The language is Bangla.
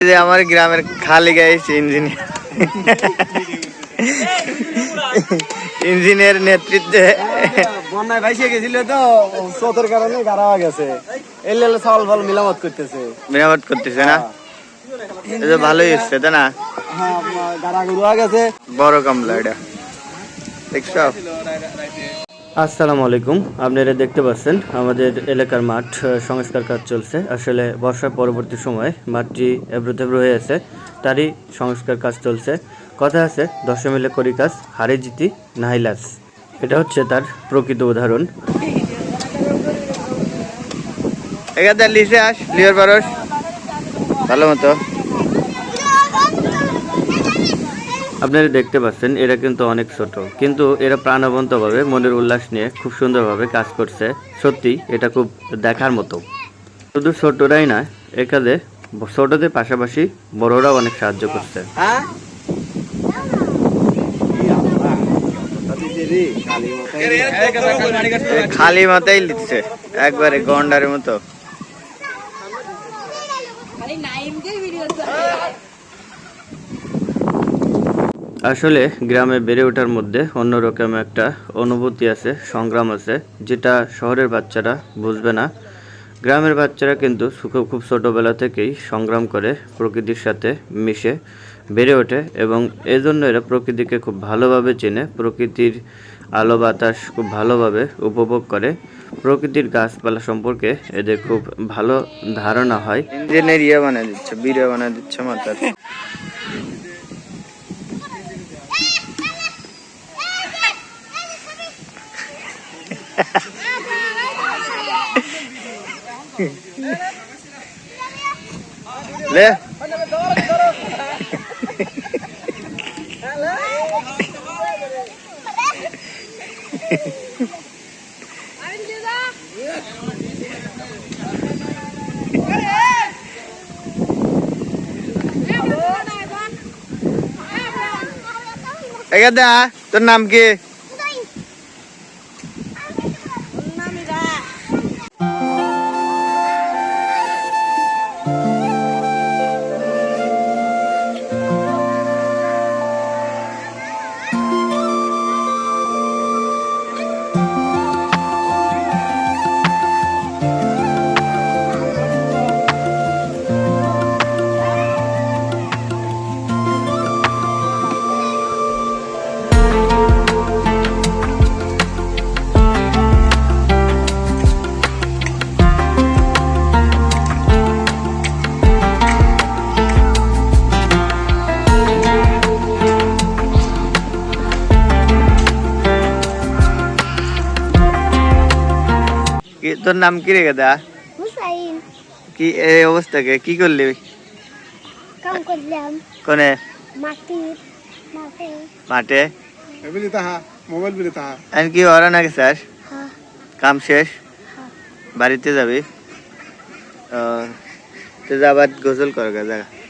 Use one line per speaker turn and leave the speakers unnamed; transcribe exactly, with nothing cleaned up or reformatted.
যে আমার গ্রামের খালি গাইস ইঞ্জিনিয়ার ইঞ্জিনিয়ার নেতৃত্বে
বন্যায় ভাইসে গেছিল তো স্রোতের কারণে গাড়া গেছে এলে চাউল ফাল মিলামত করতেছে
মেরামত করতেছে না এটা ভালোই হচ্ছে তাই না
হ্যাঁ গাড়া গুড়া গেছে
বড় কামলা এটা দেখছো।
আসসালামু আলাইকুম, আপনারা দেখতে পাচ্ছেন আমাদের এলাকার মাঠ সংস্কার কাজ চলছে। আসলে বর্ষার পরবর্তী সময় মাঠটি এবড়োথেবড়ো হয়ে আছে, তারই সংস্কার কাজ চলছে। কথা আছে দশে মিলে করি কাজ, হারে জিতি নাহি লাজ। এটা হচ্ছে তার প্রকৃত উদাহরণ।
এখানে লিসে আস লিওর পারস ভালো মতো।
আপনারা দেখতে পাচ্ছেন এরা কিন্তু অনেক ছোট, কিন্তু এরা প্রাণবন্তভাবে মনের উল্লাস নিয়ে খুব সুন্দরভাবে কাজ করছে। সত্যি এটা খুব দেখার মতো। শুধু ছোটরাই না, এখানে ছোটদের পাশাপাশি বড়রাও অনেক সাহায্য করছে।
খালি মাথায় লিখছে একবারে গন্ডারের মতো।
আসলে গ্রামে বেড়ে ওঠার মধ্যে অন্যরকম একটা অনুভূতি আছে, সংগ্রাম আছে, যেটা শহরের বাচ্চারা বুঝবে না। গ্রামের বাচ্চারা কিন্তু খুব ছোটোবেলা থেকেই সংগ্রাম করে প্রকৃতির সাথে মিশে বেড়ে ওঠে, এবং এজন্য এরা প্রকৃতিকে খুব ভালোভাবে চেনে, প্রকৃতির আলো বাতাস খুব ভালোভাবে উপভোগ করে, প্রকৃতির গাছপালা সম্পর্কে এদের খুব ভালো ধারণা হয়।
ইঞ্জিনিয়ার ইয়ে বানিয়ে দিচ্ছে, বিড়ে বানিয়ে দিচ্ছে মাথার। লে এখানে তোর নাম কি? তোর নাম কি রে গাদা?
হুসাইন।
কি এই অবস্থা কে কি করলি?
কাম করলাম
কোনে?
মাটি মাঠে।
মাঠে
এবিলি তাহা মোবাইল বিলি তাহা
আর কি ওরা না গেছাস?
হ্যাঁ
কাম শেষ?
হ্যাঁ।
বাড়িতে যাবি? ও তো যাবার গোসল কর গা জায়গা।